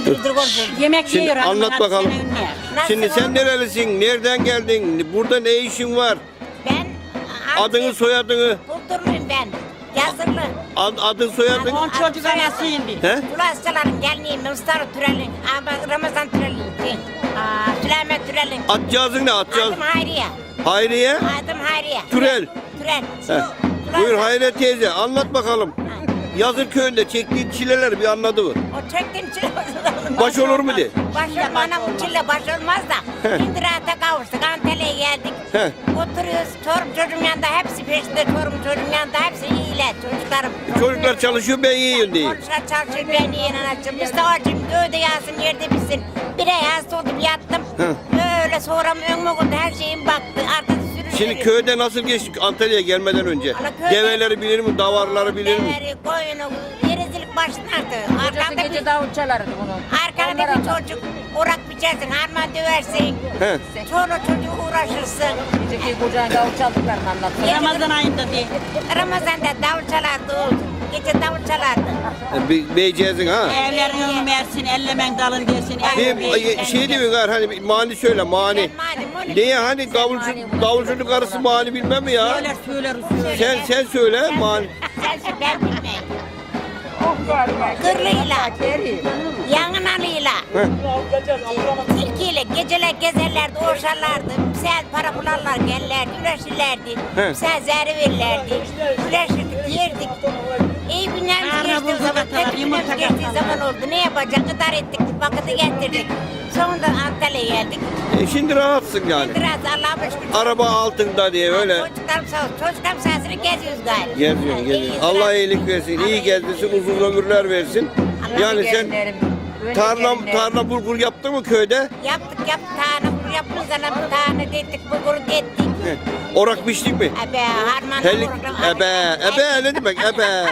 Yemek Şimdi yiyor. anlat bakalım. Şimdi sen nerelisin? Nereden geldin? Burada ne işin var? Ben Adını soyadını. Buldurluyum ben. Yazılı. Adın soyadın. 10 çocuk anası indi. He? Ulaşçıların gelmeyeyim. Mustafa Türel'in. Ramazan Türel'in. Süleyman Türel'in. Atcağızın ne atcağız? Adım Hayriye. Hayriye. Adım Hayriye. Türel. Türel. He. Buyur Hayriye teyze anlat bakalım. Yazır köyünde çektiğin çileler bir anladı mı? O çektiğim çile Baş olur mu de? Baş olmana bu çile baş olmaz da. He. Şimdi rahata kavuştuk. Antalya'ya geldik. He. Oturuyoruz. Çorum çocuğum yanında hepsi peşinde. Çorum çocuğum yanında hepsi iyiler. Çocuklarım. Çocuklar çalışıyor ben yiyeyim diye. Konuşlar çalışıyor ben yiyen anacığım. Biz de acım dövde yağsın yerde bitsin. Bir ay hasta oldum yattım. Öyle sonra önüme koydu her şeyim baktı. Arkası sürüyor. Şimdi köyde nasıl geçtik Antalya'ya gelmeden önce? Ana köyde- Develeri bilir mi? Davarları bilir mi? Deveri, koyunu, yerizlik başlardı. Kocası gece davul çalardı bunu. Arkada bir çocuk orak biçersin, harman döversin. He. Sonra çocuğu uğraşırsın. Geceki kocana davul çaldıklarını anlattı. Ramazan ayında diye. Ramazan'da davul çalardı. Gece davul çalardı. Beyceğizin ha? Evlerin önü versin, ellemen dalır gelsin. Bir şey diyor gar hani bir mani söyle mani. Niye hani davulcunun karısı mani bilmem mi ya? Söyler. Sen söyle mani. Sensin ben bilmeyim. Kırlıyla, yangınalıyla, tilkiyle geceler gezerlerdi, oşarlardı. Güzel para bularlar, gelirlerdi, güreşirlerdi. He. Güzel zehri verirlerdi. Güreşirdik, yerdik. İyi günlerimiz geçti o zaman, kötü günlerimiz geçtiği zaman oldu. Ne yapacak? Gıdar ettik, vakiti getirdik. Sonunda Antalya'ya geldik. Şimdi rahatsın yani. Biraz Allah'a şükür. Araba altında diye öyle. Çocuklarım sağ olsun. Çocuklarım sayesinde geziyoruz gayet. Geziyorsun geziyorsun. Allah iyilik versin, iyi gezdirsin, uzun ömürler versin. Yani sen tarla bulgur yaptın mı köyde? Yaptık tane bunu yaptık sana bir tane dedik bulgur ettik. He. Orak biçtik mi? Ebe harman. Helik, ebe ne demek ebe?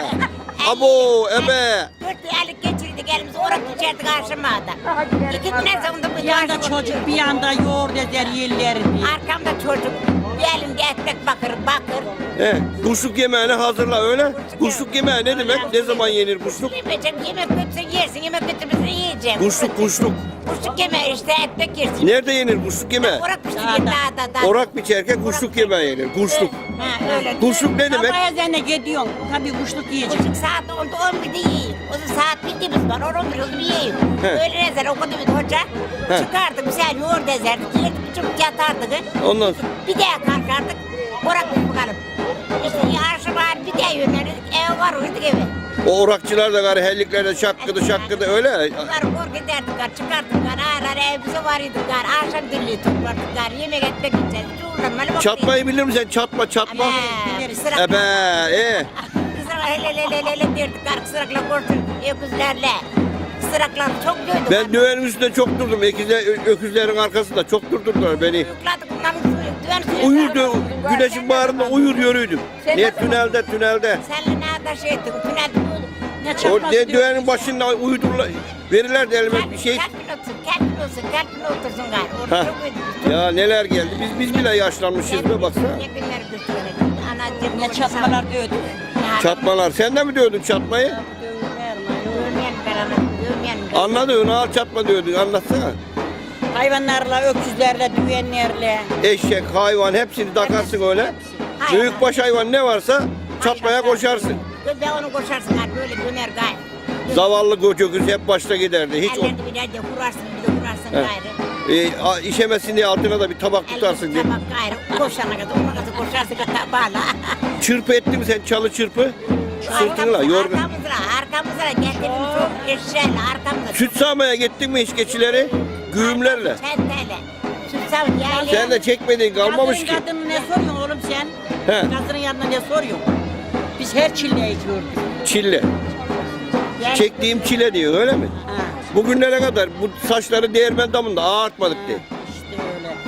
Abo ebe. 4 aylık geçirdik elimizi orak içerdik aşamada. 2 güne sonunda Bir bu yanda yaşlı çocuk, bir yanda yoğurt eder yerlerini. arkamda çocuk. Bir elimde ekmek bakır. He. Kuşluk yemeğini hazırla öyle. Kuşluk yemeği ne demek? Ne zaman yenir kuşluk? Yemeyecek yemek götürsün yersin yemek götürmüşsün yiyeceğim. Kuşluk. Kuşluk yemeği işte ekmek yersin. Nerede yenir kuşluk yemeği? Orak pişirir dağda. Orak biçerken kuşluk yemeği yenir. Kuşluk. Ha öyle. Kuşluk ne demek? Sabah ezanına gidiyorsun. Tabii kuşluk yiyecek. Buçuk saat oldu 11'de yiyin. O zaman saat bildiğimiz var. 11 oldu bir yiyin. He. Öyle ezer okudu bir hoca. He. Çıkardık güzel yoğurt ezerdik. Yedik bir çubuk yatardık. Ondan sonra. Bir daha kalkardık. Orak bakalım. İşte yarışı var bir daha yönelirdik. Ev var uyuduk eve. O orakçılar da gari helliklerde şakkıdı öyle. Bunlar kork ederdik. Çıkardık. Ağır evimize varıyorduk. Akşam dilliği toplardık. Yemek etmek için. Çatmayı bilir misin? Çatma. Ebe. Kızlar hele derdik. Kısrakla korktuk. Öküzlerle. Kısraklar çok dövdük. Ben düğenin üstünde çok durdum. Öküzlerin arkasında çok durdurdular beni. Yıkladık bunların düven suyu. Uyurdu. Güneşin bağrında uyur yürüydüm. Ne tünelde. Senle ne kadar şey ettik. Tünel. Ne O çarpması düğenin başında uyudurlar. Verirlerdi elime bir şey. Kalbin otursun gari. Ha. Ya neler geldi. Biz bile yaşlanmışız be baksana. Ne günler götürdük. Anacığım. ne çatmalar dövdü. Çatmalar. Sen de mi diyordun çatmayı? Dövmeyen ben anacığım. Anladın al çatma diyordun. Anlatsana. Hayvanlarla, öküzlerle, düğenlerle. Eşek, hayvan hepsini takarsın öyle. Büyükbaş hayvan ne varsa çatmaya koşarsın. Ben onu koşarsın gari. Böyle döner gari. Zavallı göküz hep başta giderdi. Hiç Ellerini bir de vurarsın bir de vurarsın gayrı. işemesin diye altına da bir tabak tutarsın diye. Tabak gayrı. Koşana kadar ona kadar koşarsın tabağla. Çırpı etti mi sen çalı çırpı? Sırtınla yorgun. Arkamızda getirdiğimiz çok eşeğiyle arkamızda. Süt sağmaya gittin mi hiç keçileri? Güğümlerle. Çenteyle. Süt sağ yaylaya. Sen de çekmedin kalmamış ki. Kadının ne soruyorsun oğlum sen? He. Kadının yanına ne soruyorsun? Biz her çilleyi gördük. Çille. Çektiğim çile diyor öyle mi? Ha, Bugünlere kadar bu saçları değirmen damında ağartmadık diye. işte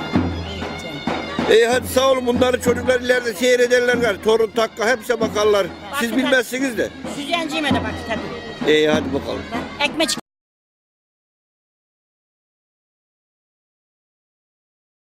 öyle. Hadi sağ olun bunları çocuklar ileride seyrederler gari. Torun takka hepsi bakarlar. Siz bilmezsiniz de. Süzenciğime de bak tabii. Hadi bakalım. Ekmek